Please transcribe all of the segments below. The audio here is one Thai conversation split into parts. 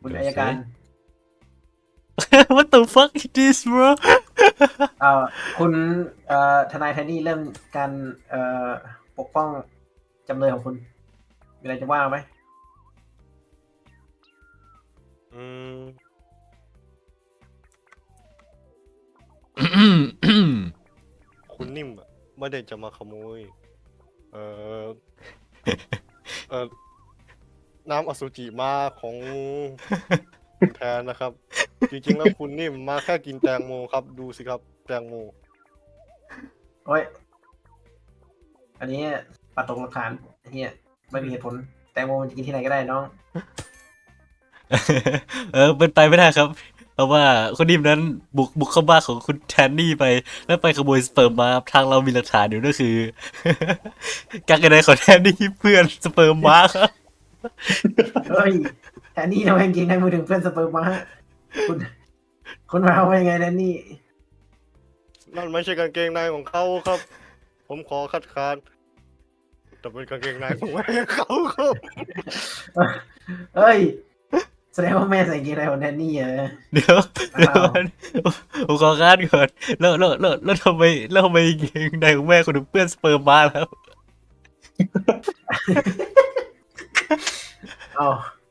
คุณอัยการ What the fuck is this bro เอ่อคุณทนายไทนี่เริ่มการปกป้องจำเลยของคุณมีอะไรจะว่าไหมอืมคุณนิ่มอะไม่ได้จะมาขโมย เอ่อ เอ่อ น้ำอสุจิมาของแทนนะครับ จริงๆแล้วคุณนิ่มมาแค่กินแตงโมครับ ดูสิครับ แตงโมโอ้ยอันนี้ปัดตกหลักฐานเฮียไม่มีเหตุผลแตงโมมันจะกินที่ไหนก็ได้น้องเป็นไปไม่ได้ครับ เพราะว่าคนนิ่มนั้นบุกเข้าบ้านของคุณแทนนี่ไป แล้วไปขโมยสเปิร์มมาทางเรามีหลักฐานอยู่นั่นคือ การกระไดของแทนนี่เพื่อนสเปิร์มมาครับเฮ้ยแทนนี่ทำไมจริงๆให้มือถึงเพื่อนสเปิร์มมาคุณคุณมาเอาไว้ยังไงแทนนี่นั่นไม่ใช่กางเกงในของเขาครับ ผมขอคัดค้านแต่เป็นกางเกงในของแม่เขาครับเฮ้ยแสดงว่าแม่ใส่กางเกงในของแทนนี่เหรอเดี๋ยวอ้าวผมขอคาดก่อนแล้วทำไมเกงในของแม่คุณถึงเปื้อนสเปิร์มมาแล้วเอา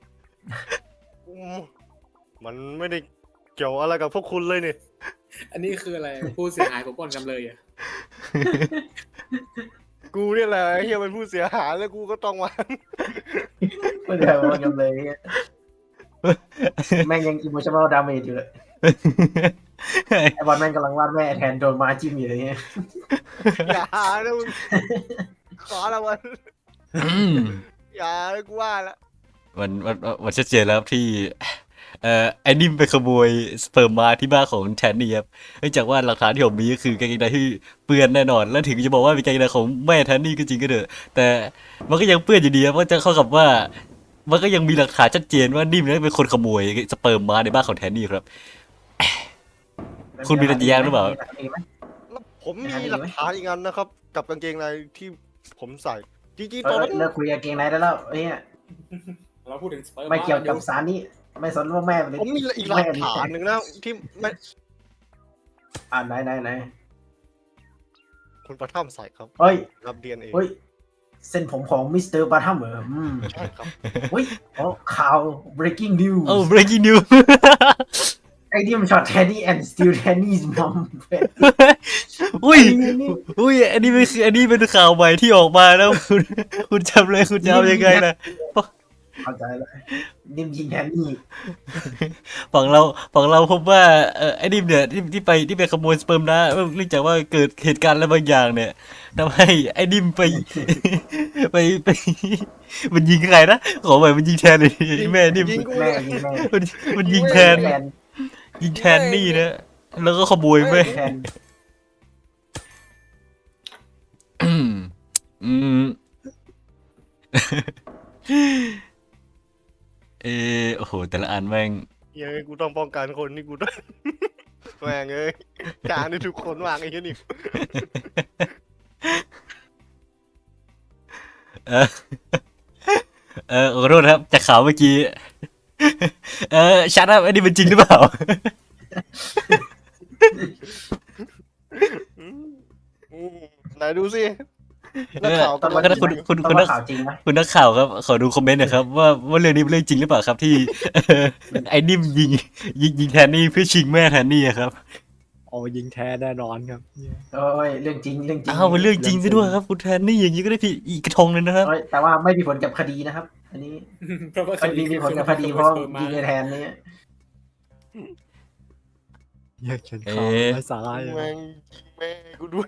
มันไม่ได้เกี่ยวอะไรกับพวกคุณเลยนี่อันนี้คืออะไรผู้เสียหายผมปล้นจำเลยอ่ะกูเนี่ยแหละไอ้เฮียเป็นผู้เสียหายแล้วกูก็ต้องมาไม่ได้ว่ากันเลยแม่งยังอิโมชั่นอลดาเมจอยู่เลยไอบอลแม่งกำลังวาดแม่แทนโดนมาจิ้มอยู่เลยเนี่ยอย่านะมึงขอละวันอืมอย่านะกูว่าละมันชัดเจนแล้วครับที่ไอ้นิ่มไปขโมยสเปิร์มมาที่บ้านของแทนนี่ครับเนื่องจากว่าหลักฐานที่ผมมีก็คือกางเกงในที่เปื้อนแน่นอน แล้วถึงจะบอกว่าเป็นกางเกงในของแม่แทนนี่ก็จริงก็เถอะแต่มันก็ยังเปื้อนอยู่ดีครับเพราะจะเข้ากับว่า มันก็ยังมีหลักฐานชัดเจนว่านิ่มนั้นเป็นคนขโมยสเปิร์มมาในบ้านของแทนนี่ครับ คุณมีอะไรจะแย้งหรือเปล่าแล้วผมมีหลักฐานอีกอันนะครับ กับกางเกงในที่ผมใส่จริงๆตอนนั้นเลิกคุยกับเกงในได้แล้วเนี่ยเราพูดถึงสเปิร์มไม่เกี่ยวกับสารนี้ไม่สนว่าแม่เป็นผมมีอีกหลักฐานหนึ่งนะที่ไม่ไหนคุณประทับใส่ครับเฮ้ยรับเดียนเองเฮ้ยเส้นผมของมิสเตอร์บาทัมเหรอใช่ครับเฮ้ยข่าว breaking news โอ้ breaking news ไอ้นี่มันช็อตแทนนี่ and still แทนนี่ mom อุ้ยอันนี้เป็นข่าวใหม่ที่ออกมาแล้วคุณจำเลยคุณจะเอายังไงนะเข้าใจแล้วนิ่มยิงแทนนี่ฝั่งเราพบว่าไอ้นิ่มเนี่ยที่ไปขโมยสเปิร์มนะเนื่องจากว่าเกิดเหตุการณ์อะไรบางอย่างเนี่ยทำให้ไอ้นิ่มไปมันยิงใครนะขอใหม่มันยิงแทนเลยแม่นิ่มยิงกูแม่เนี่ยยิงแม่มันยิงแทนนี่นะแล้วก็ขโมยแม่แทนอืมโอ้โหแต่ละอันแม่งเฮ้ยกูต้องป้องกันคนนี่กูต้อง แม่งเอ้ยจานนี่ทุกคนวางไอ้เหี้ยนี่เออขอโทษนะครับจากข่าวเมื่อกี้ชัดครับอันนี้เป็นจริงหรือเปล่าไหนดูสินักข่าวตอนกำลังนั้นคุณข่าวจริงไหมคุณนักข่าวครับขอดูคอมเมนต์หน่อยครับว่าเรื่องนี้เป็นเรื่องจริงหรือเปล่าครับที่ไอ้นิ่มยิงแทนนี่เพื่อชิงแม่แทนนี่ครับโอ้ยิงแท้แน่นอนครับโอ้ยเรื่องจริงอ้าวเป็นเรื่องจริงซะด้วยครับคุณแทนนี่อย่างนี้ก็ได้ผิดอีกกระทงเลยนะครับเอ้ยแต่ว่าไม่มีผลกับคดีนะครับ อันนี้เพราะว่าคดีมีผลกับคดีเพราะยิงในแทนนี่อยากเขียนข่าวไร้สาระเลยแม่งยิงแม่กูด้วย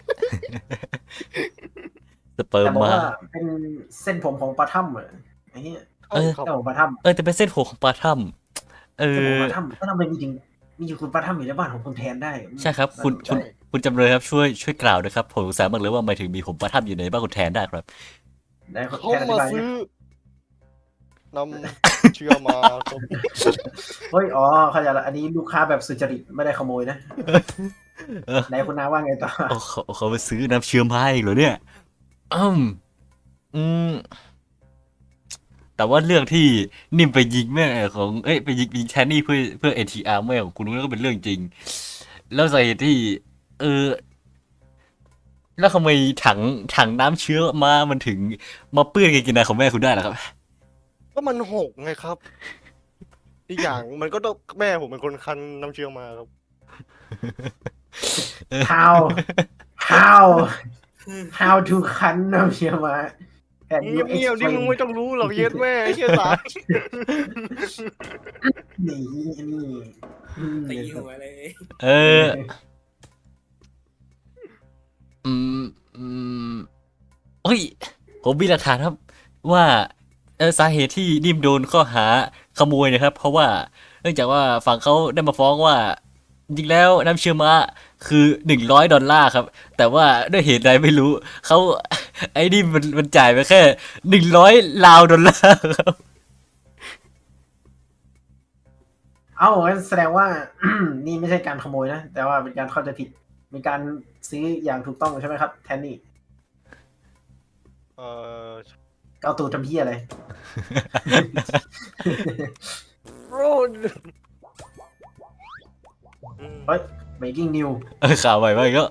สเปิร์แต่มบอกมาว่าเป็นเส้นผมของปลาถ้ำเหรอไอ้เนี้ยเออเส้นผมปลาถ้ำแต่เป็นเส้นผมของปลาถ้ำเส้นผมปลาถ้ำก็ทำไมมีอยู่คุณปลาถ้ำอยู่ในบ้านของคุณแทนได้ใช่ครับคุณจำเลยครับช่วยกล่าวด้วยครับผมสงสัยมากเลยว่าทำไมถึงมีผมปลาถ้ำอยู่ในบ้านคุณแทนได้ครับได้เขาแทนอธิมาบายซื้อนำเชื่อมาครับเฮ้ยอ๋อเข้าใจละอันนี้ลูกค้าแบบสุจริตไม่ได้ขโมยนะไหนคุณน้าว่าไงต่อเขาไปซื้อน้ำเชื่อมให้เหรอเนี่ยอืมแต่ว่าเรื่องที่นิ่มไปยิงแม่ของไปยิงแทนนี่เพื่อ NTR แม่ของคุณนั่นก็เป็นเรื่องจริง แล้วสาเหตุที่ เออ แล้วทำไมถังน้ำเชื้อมันถึงมาเปื้อนกางเกงในของแม่คุณได้ล่ะครับก็มันหกไงครับ อีกอย่างมันก็ต้องแม่ผมเป็นคนคั้นน้ำเชื่อมาครับ how how how to คันน้ำเชียวมาand เงี you ยบเงียบๆนี่ explain มึงไม่ต้องรู้หรอกเย็ดแม่ไอ้เชี่ยสารนี่ตีนี่หัวเลยเออ อืมอืมเฮ้ย ผมมีหลักฐานครับ ว่าสาเหตุที่นิ่มโดนข้อหาขโมยนะครับ เพราะว่าเนื่องจากว่าฝั่งเขาได้มาฟ้องว่า จริงแล้วน้ำเชื่อมะคือ$100ครับ แต่ว่าด้วยเหตุใดไม่รู้เขาไอ้นี่มันจ่ายไปแค่$100ครับเอ้างั้นแสดงว่า นี่ไม่ใช่การขโมยนะ แต่ว่าเป็นการเข้าใจผิดมีการซื้ออย่างถูกต้องใช่ไหมครับแทนนี่เออเอาตูดทำเพี้ยอะไรโรดเฮ้ย breaking news ข่าวใหม่มาอีกแล้ว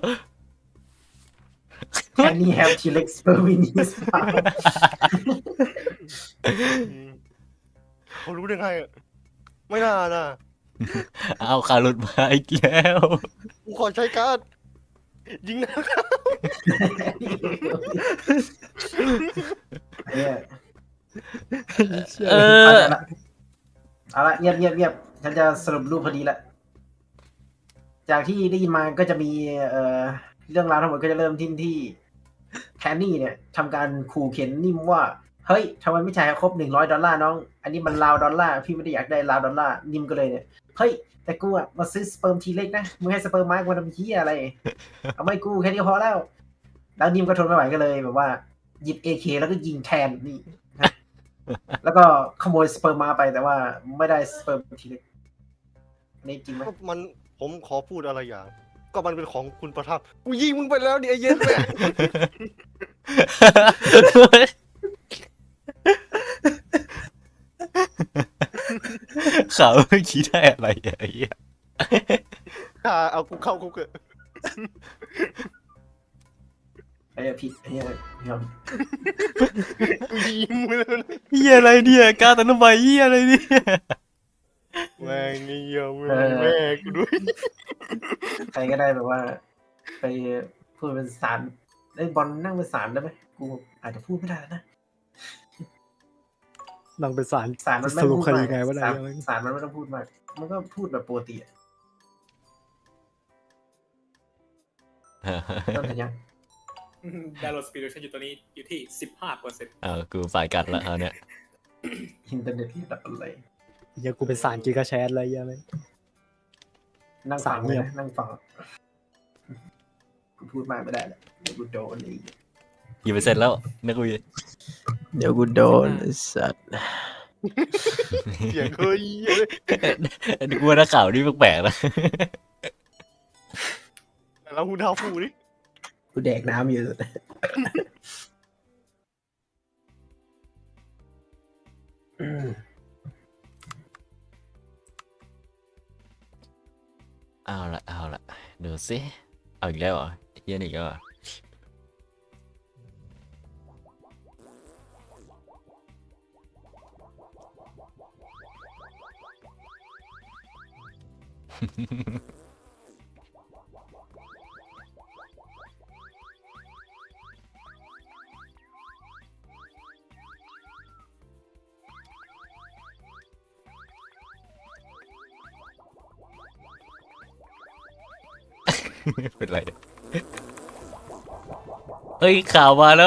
Kenny have T-Rex sperm in his mouth เขารู้ได้ไงอะไม่น่านะเอาข่าวหลุดมาอีกแล้วกูขอใช้การ์ดยิงนะครับเนี่ยเออเอาละเงียบฉันจะสรุปรูปพอดีละจากที่ได้ยินมาก็จะมีเรื่องราวทั้งหมดก็จะเริ่มที่แคนนี่เนี่ยทำการขู่เข็นนิ่มว่าเฮ้ยทำไมไม่จ่ายให้ครบ$100น้องอันนี้มัน$1,000พี่ไม่ได้อยากได้$1,000นิ่มก็เลยเนี่ยเฮ้ยแต่กูอะมาซื้อสเปิร์มทีเล็กนะมึงให้สเปิร์มมาร์กมาทำเหี้ยอะไรเอาไม่กูแค่นี้พอแล้วนิ่มก็ทนไม่ไหวก็เลยแบบว่าหยิบ AK แล้วก็ยิงแทนนี่ แล้วก็ขโมยสเปิร์มมาไปแต่ว่าไม่ได้สเปิร์มทีเล็กนี่จริงไหมก็มันผมขอพูดอะไรอย่าง ก็มันเป็นของคุณประทับกูยิงมึงไปแล้วดิไอ้เย็ดแม่ข่าวเมื่อกี้ได้อะไรอะไอ้เหี้ยเอากูเข้าคุกเถอะไอ้ผิดไอ้เนี่ยกูยิงมึงแล้วนะเหี้ยอะไรเนี่ยกล้าตันทำไมเหี้ยอะไรเนี่ยแม่งนี่เหี้ยแม่กูด้วยใครก็ได้แบบว่า ไปพูดเป็นสารไอ้บอลนั่งเป็นสารได้ไหมกูอาจจะพูดไม่ได้นะนั่งเป็นสารสารมันไม่สต้องรุปพูดคดีมากไงวะเนี่ยสารมันไม่ต้องพูดมากมันก็พูดแบบปกติอะต้นขยันดาวน์โหลดสปีดชันอยู่ตัวนี้อยู่ที่ 15% กูฝ่ายกัดละเอาเนี่ยอินเทอร์เน็ตระดับอะไรยังกูเป็นสารกิกะแชทอะไรยังไงนั่งฟังสารเงีเลยยบนะนั่งฟังกูพูดมากไม่ได้แหละเดี๋ยวกูโดนเลยกี่เปอร์เซ็นต์แล้วนักคุยเดี๋ยวกูโดนสัตว์เสียงเฮ้ยกูว่านักข่าวนี่แปลกๆนะแล้วคุณท้าฟูดิกูแดกน้ำอยู่เอาละดูสิเอาอีกแล้วเหรอเหี้ยนี่อีก็ เป็นไรเนี่ยเฮ้ยข่าวมาแล้ว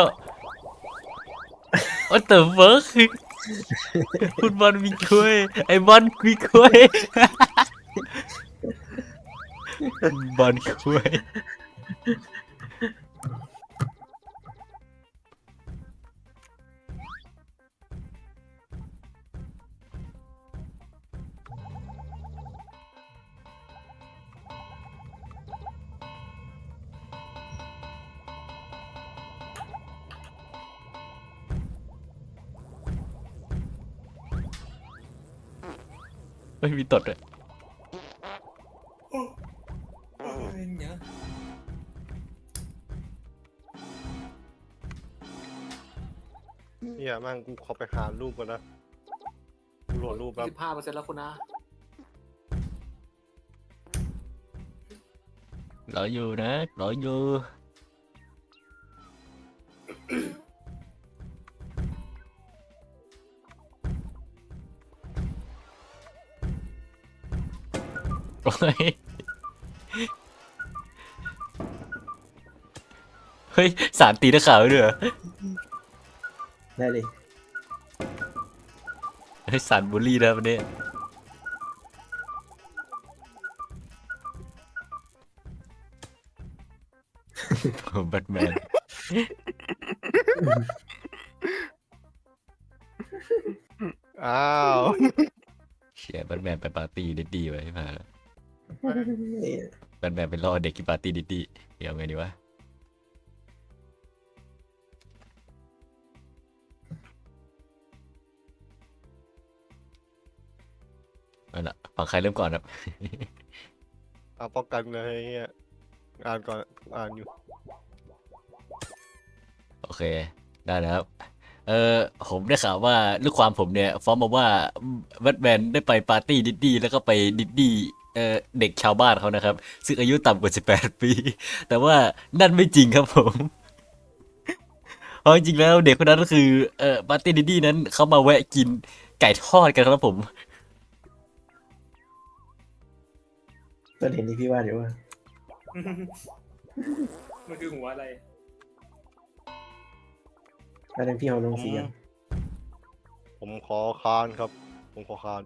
What the fuck คุณบอลมีกล้วยไอ้บอลมีกล้วย บอลกล้วยเไม่มีตดเลยอะไรเนี่ยเนี่ยแม่งกูขอไปหารูปก่อนนะกูโหลดรูปแบบ 15%แล้วคุณนะรออยู่นะรออยู่โอ้ยเฮ้ยสารตีนักข่าวด้วยเหรอได้เลยเฮ้ยสารบูลลี่นะวันนี้ผมแบทแมนอ้าวเชียร์แบทแมนไปปาร์ตี้ดิดดี้ไว้มาแล้วแบทแมนไปล่อเด็กที่ปาร์ตี้ดิดดี้เดี๋ยวไงดีวะเอาล่ะฝั่งใครเริ่มก่อนครับเอาป้องกันเลยเฮียอ่านก่อนอ่านอยู่โอเค ได้แล้วครับผมได้ข่าวว่าลูกความผมเนี่ยฟ้องมาว่าแบทแมนได้ไปปาร์ตี้ดิดดี้แล้วก็ไปดิดดี้เด็กชาวบ้านเขานะครับ ซึ่งอายุต่ำกว่า18 ปี แต่ว่านั่นไม่จริงครับผม เพราะจริงๆแล้วเด็กคนนั้นก็คือปาร์ตี้ดิดดี้นั้นเขามาแวะกินไก่ทอดกันครับผมต้นเห็นที่พี่ว่าเดี๋ยวว่ามันคือหัวอะไรแล้วนั้นพี่เอาลงเสียงผมขอค้านครับ ผมขอค้าน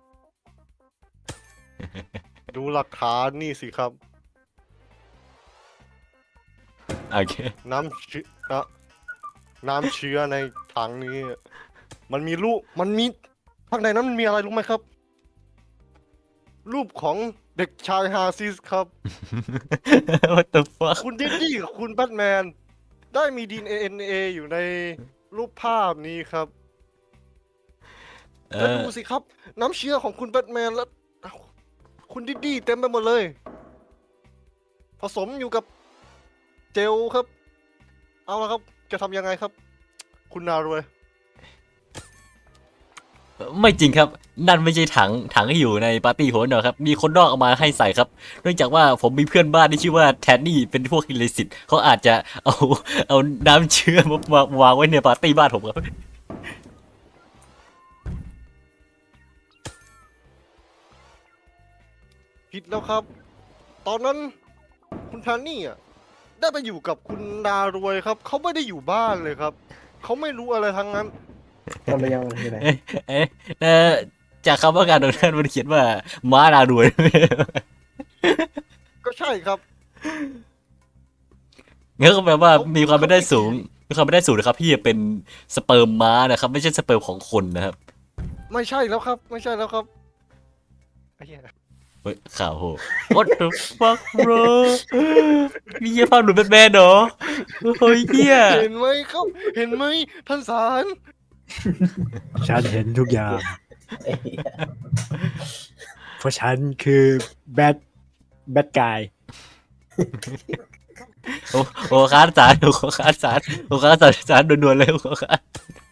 ดูหลักฐานนี่สิครับโอเคน้ำเชื้อน้ำเชื้อในถังนี้ มันมีรูปมันมีข้างในนั้นมันมีอะไรรู้ไหมครับ รูปของเด็กชายฮาซิสครับ What the fuck คุณดิดดี้กับคุณแบทแมนได้มี DNA อยู่ในรูปภาพนี้ครับเอแล้วอดูสิครับ น้ำเชื้อของคุณแบทแมนและคุณดิดดี้เต็มไปหมดเลย ผสมอยู่กับเจลครับ เอาละครับ จะทำยังไงครับ คุณนารวยไม่จริงครับ นั่นไม่ใช่ถังที่อยู่ในปาร์ตี้โหนนะครับ มีคนนอกเอามาให้ใส่ครับ เนื่องจากว่าผมมีเพื่อนบ้านที่ชื่อว่าแทนนี่เป็นพวกอิเลสิตเขาอาจจะเอาน้ำเชื้อมาวางไว้ในปาร์ตี้บ้านผมครับผิดแล้วครับ ตอนนั้นคุณแทนนี่อ่ะได้ไปอยู่กับคุณนารวยครับ เขาไม่ได้อยู่บ้านเลยครับ เขาไม่รู้อะไรทั้งนั้นต้นระยะมันคืออะไรเอ๊ะจากคำว่าการตรงนั้นมันเขียนว่าม้านารวยก็ใช่ครับงั้นก็แปลว่ามีความไม่ได้สูงมีความไม่ได้สูงนะครับพี่เป็นสเปิร์มม้านะครับ ไม่ใช่สเปิร์มของคนนะครับไม่ใช่แล้วครับ ไม่ใช่แล้วครับไอ้เหี้ยเฮ้ยข่าวโห What the fuck bro มีเยี่ยภาพหลุดแบทแมนเหรอเฮ้ยเฮียเห็นไหมครับ เห็นไหมท่านศาลฉันเห็นทุกอย่างไอ้เหี้ยเพราะฉันคือแบดกายโอ้ค้านศาลโอ้ค้านศาลโอ้ค้านศาลด่วนๆเลยโอ้ค้าน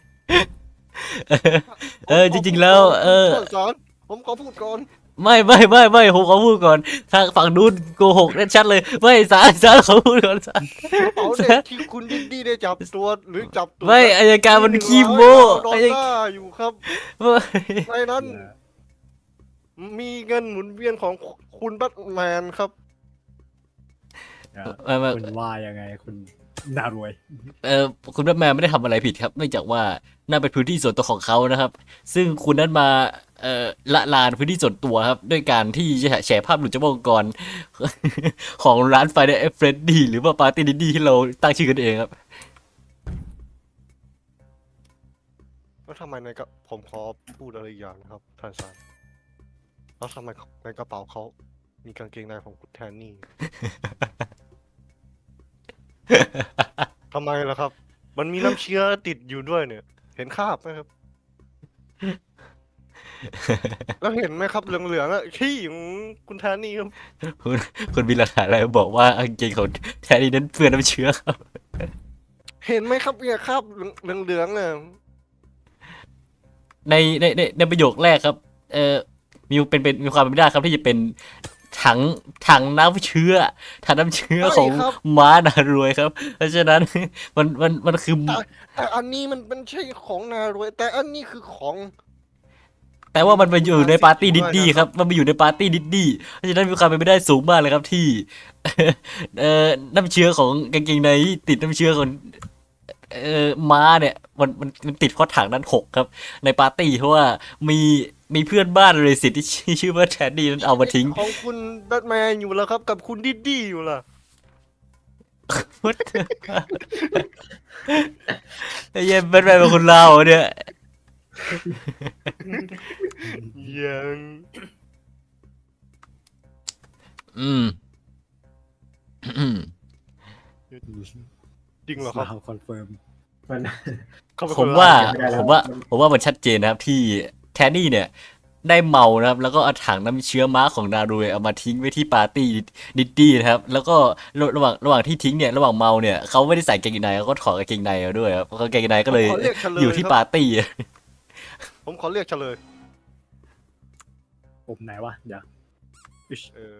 จริงๆแล้วท่านศาลผมขอพูดก่อนไม่ผมขอพูดก่อนทางฝั่งนู้นโกหกแน่ชัดเลยไม่ศาลขอพูดก่อนศาลกระเป๋าเด็กที่คุณดิดดี้ได้จับตัวหรือจับตัวไม่อัยการมันขี้โม้ดอลอัยลาร์อยู่ครับไม่ในนั้น มีเงินหมุนเวียนของคุณแบทแมนครับไม่คุณว่ายังไงคุณน่ารวยคุณแบทแมนไม่ได้ทำอะไรผิดครับเนื่องจากว่านั่นเป็นพื้นที่ส่วนตัวของเขานะครับ ซึ่งคุณนั้นมาละลานพื้นที่ส่วนตัวครับ ด้วยการที่จะแฉภาพหลุดจากวงกร ของร้านไฟเดอร์เฟรดดี้หรือว่าปาร์ตี้ดิดดี้ที่เราตั้งชื่อกันเองครับแล้วทำไมในกระผมขอพูดอะไรอีกอย่างนะครับท่านศาลแล้วทำไมในกระเป๋าเขามีกางเกงในของคุณแทนนี่ ทำไมล่ะครับ มันมีน้ำเชื้อติดอยู่ด้วยเนี่ย เห็นคราบไหมครับแล้วเห็นไหมครับเหลืองๆอะขี้ของคุณแทนนี่ครับคุณคุณมีหลักฐานอะไรบอกว่ากางเกงของแทนนี่นั้นเปื้อนน้ำเชื้อครับเห็นไหมครับเนี่ยครับเหลืองๆเนี่ยในประโยคแรกครับ มีความเป็นไปได้ครับที่จะเป็นถังน้ำเชื้อถังน้ำเชื้อของม้านารวยครับ เพราะฉะนั้นมันคือแต่อันนี้มันเป็นใช่ของนารวยแต่อันนี้คือของแต่ว่ามันไปอยู่ในปาร์ตี้ดิดดี้ครับมันไปอยู่ในปาร์ตี้ดิดดี้เพราะฉะนั้นมีความเป็นไปได้สูงมากเลยครับที่ น้ำเชื้อของกางเกงในที่ติดน้ำเชื้อของม้าเนี่ยมันติดเพราะถังนั้นหกครับ ในปาร์ตี้เพราะว่ามีเพื่อนบ้านเลยสิที่ชื่อว่าแทนดี้นั้นเอามาทิ้งของคุณแบทแมนอยู่แล้วครับ กับคุณดิดดี้อยู่ล่ะ What the ไอ้เหี้ย็นเป็นไปเป็นคนลาวเหรอเนี่ยยังอืมจริงเหรอครับคอนเฟิร์มมันเขาเป็นผคมนว่าลาวไม่ได้แล้วผมว่ามันชัดเจนนะครับที่แทนนี่เนี่ยได้เมานะครับ แล้วก็เอาถังน้ำเชื้อม้าของนารูเอามาทิ้งไว้ที่ปาร์ตี้ดิดดี้นะครับ แล้วก็ระหว่างที่ทิ้งเนี่ยระหว่างเมาเนี่ยเขาไม่ได้ใส่กางเกงในเขาก็ถอดกางเกงในมาด้วยครับเพราะกางเกงในก็เลยผมขอเรียกเฉลอยู่ที่ครับปาร์ตี้ผมขอเรียกเฉลยผมไหนวะเดี๋ยวเออ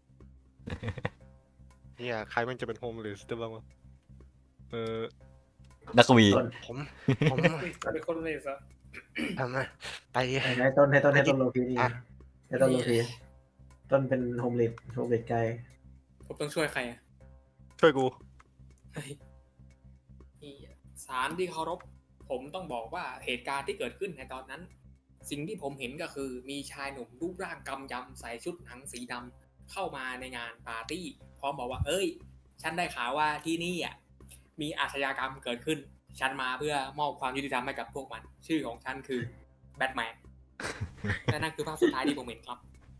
เนี่ยใครมันจะเป็นโฮมเลสได้บ้างวะเออนักวีผมผมเป็นคนเลยซะทำไมไปให้ต้นโลพีดีอ่ะให้ต้นโลพีต้นเป็นโฮมเลดไกด์ผมต้องช่วยใครอ่ะช่วยกูเฮ้ยนี่ศาลที่เคารพ ผมต้องบอกว่าเหตุการณ์ที่เกิดขึ้นในตอนนั้น สิ่งที่ผมเห็นก็คือมีชายหนุ่มรูปร่างกำยำใส่ชุดหนังสีดำเข้ามาในงานปาร์ตี้พร้อมบอกว่า เอ้ย ฉันได้ข่าวว่าที่นี่อ่ะมีอาชญากรรมเกิดขึ้น ฉันมาเพื่อมอบความยุติธรรมให้กับพวกมัน ชื่อของฉันคือแบทแมน และนั่นคือภาพสุดท้ายที่ผมเห็นครับ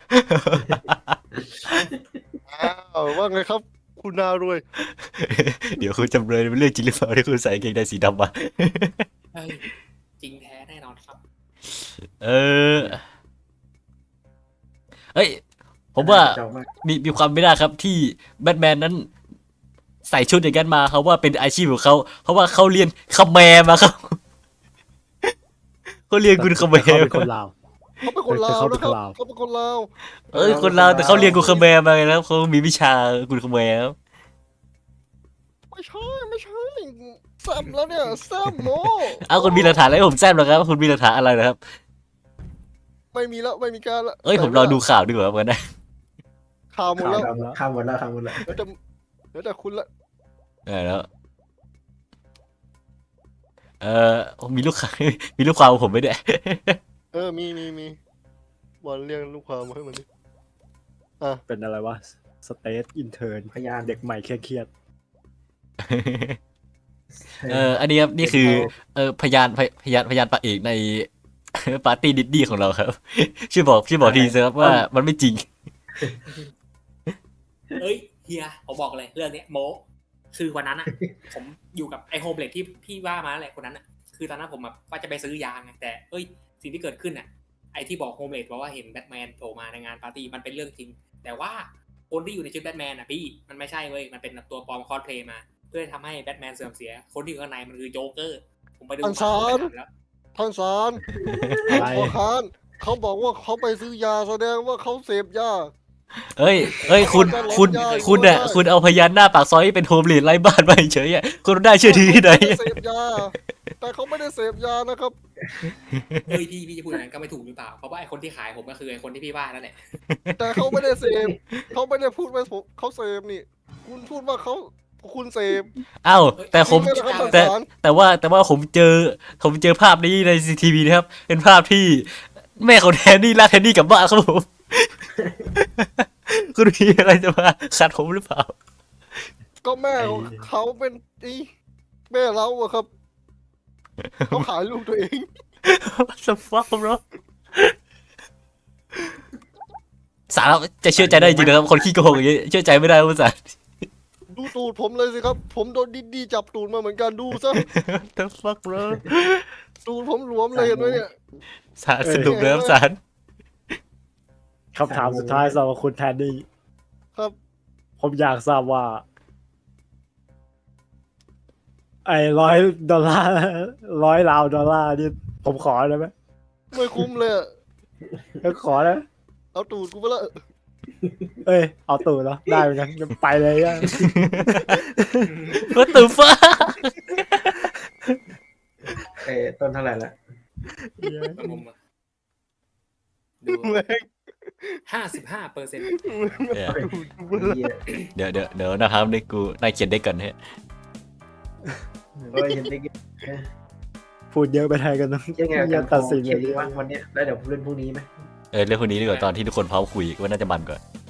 อ้าวว่าไงครับ คุณนารวยเดี๋ยวคุณจำเลยเป็นเรื่องจริงหรือเปล่าที่คุณใส่กางเกงในสีดำมาเฮ้ย จริงแท้แน่นอนครับเออเอ้ย ผมว่าเจ้ามากมีความไม่ได้ครับที่แบทแมนนั้นใส่ชุดอย่างนั้นมาเขาว่าเป็นอาชีพของเขาเพราะว่าเขาเรียนคาแมร์มาครับ เขาเรียนกุนคาแมเขาร์เป็นคนลาวเขาเป็นคนลาวเขาเป็นะนคครันบลาวเขาเป็นคนลาวเอ้ยคนเราวแต่เขาเรียนกุนคาแมร์มาไงนะครับเขามีวิชากุนคาแมร์ครับไม่ใช่แซมแล้วเนี่ยแซมโมเอาคุณมีหลักฐานอะไรให้ผมแซมเหรอครับคุณมีหลักฐานอะไรนะครับไม่มีแล้วไม่มีการละเอ้ยผมรอดูข่าวดีกว่าเหมือนกันนะข่าวหมดแล้วข้ามหมดแล้วเดี๋ยวแต่คุณละแล้วมีลูกค้า มีลูกความของผมไหมเนี่ยเออมีบอลเรียกลูกความมาให้มันดิเป็นอะไรวะสเตทอินเทอร์พยานเด็กใหม่เครียดอันนี้ครับนี่คือพยานปากเอกใน ปาร์ตี้ดิดดี้ของเราครับ ช่วยบอกทีสิครับว่ามันไม่จริงเอ้ยเฮียผมบอกเลยเรื่องเนี้ยโมคือวันนั้นอ่ะ ผมอยู่กับไอโฮมเลดที่พี่ว่ามาแหละคนนั้นอ่ะคือตอนนั้นผมแบบว่าจะไปซื้อยาไงแต่เอ้ยสิ่งที่เกิดขึ้นอ่ะไอที่บอกโฮมเลดบอกว่าเห็นแบทแมนโผล่มาในงานปาร์ตี้มันเป็นเรื่องจริง แต่ว่าคนที่อยู่ในชุดแบทแมนอ่ะพี่มันไม่ใช่เว้ยมันเป็นตัวปลอมคอสเพลย์มา เพื่อทำให้แบทแมนเสื่อมเสีย คนที่อยู่ข้างในมันคือโจ๊กเกอร์ผมไปดูข่าวไปแล้วท่านสารๆอะไรขอค้านเขาบอกว่าเขาไปซื้อยาแสดงว่าเขาเสพยาเอ้ยคุณเอาพยานหน้าปากซอยที่เป็นโฮมเลดไร้บ้านมาเฉยๆอ่ะคุณได้เชื่อถือที่ไหนเขาม่ด้เสพยา แต่เขาไม่ได้เสพยานะครับเฮ้ยพี่จะพูดอย่างนั้นก็ไม่ถูกหรือเปล่า เพราะว่าไอคนที่ขายผมก็คือไอคนที่พี่ว่านั่นแหละแต่เขาไม่ได้เสพเขาไม่ได้พูดว่าเขาเสพนี่ คุณพูดว่าคุณเสพอ้าวแต่ผมจริงไหนะครับแต่ท่านสารแต่ว่าผมเจอภาพนี้ใน CCTV นะครับ เป็นภาพที่แม่ของแทนนี่ลากแทนนี่กลับบ้านครับผม คุณมีอะไรจะมาขัดผมหรือเปล่าก็แม่ของเขาเป็นแม่เราอะครับเขาขายลูกตัวเอง What the fuck bro สารจะเชื่อใจได้จริงนะครับ คนขี้โกงอย่างนี้เชื่อใจไม่ได้คุณสารดูตูดผมเลยสิครับ ผมโดนดิดดี้จับตูดมาเหมือนกันดูซะ What the fuck bro ตูดผมหลวมเลยเห็นไหมเนี่ยสารสรุปแล้วสารคำถามสุดท้ายสำหรับคุณแทนนี่ครับผมอยากทราบว่า ไอ้$100 $100 นี่ผมขอได้ไหมไม่คุ้มเลยอะขอได้ไหมเอาตูดกูไปละเอ้ย เอาตู่แล้วได้เหมือนกันงั้นไปเลยอะ What the fuck ต้นเท่าไหร่ละผมอะดูแม่ง 55% เนี่ยเหี้ยเดี๋ยวนะครับนี่กูนายเขียนได้ก่อนเฮ้ยเฮ้ยเห็นได้ไงพูดเยอะไปไทยกันนะยังไงอย่าตัดสินเขีเลย ยนดีวะวันเนี้ยแล้วเดี๋ยวผมเล่นพรุ่งนี้ไหมเรื่องคนนี้ดีกว่าตอนที่ทุกคนพร้อมคุยว่าน่าจะมันกว่า